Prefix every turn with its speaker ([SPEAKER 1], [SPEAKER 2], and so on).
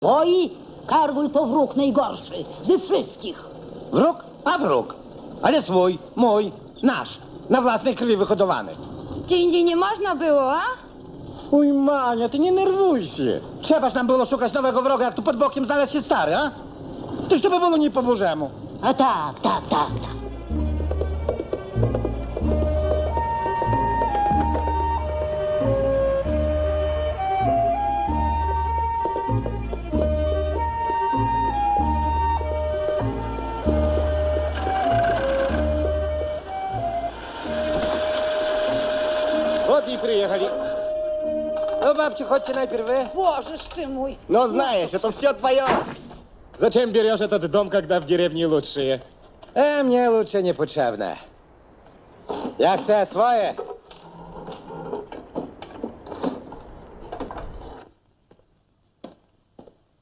[SPEAKER 1] Oj, Kargul to wróg najgorszy ze wszystkich.
[SPEAKER 2] Wróg? A wróg. Ale swój, mój, nasz. Na własnej krwi wyhodowany.
[SPEAKER 3] Gdzie indziej nie można było, a?
[SPEAKER 2] Uj, Mania, ty nie nerwuj się. Trzebaż nam było szukać nowego wroga, jak tu pod bokiem znalazł się stary, a? Toż to by było nie po bożemu.
[SPEAKER 1] A tak.
[SPEAKER 2] Вот и приехали. Ну, бабчик, chodźcie najpierw вы.
[SPEAKER 1] Божеж ты мой.
[SPEAKER 2] Ну, знаешь, это все твое. Зачем берешь этот дом, когда в деревне лучшие? Мне лучше не potrzebne. Ja chcę swoje.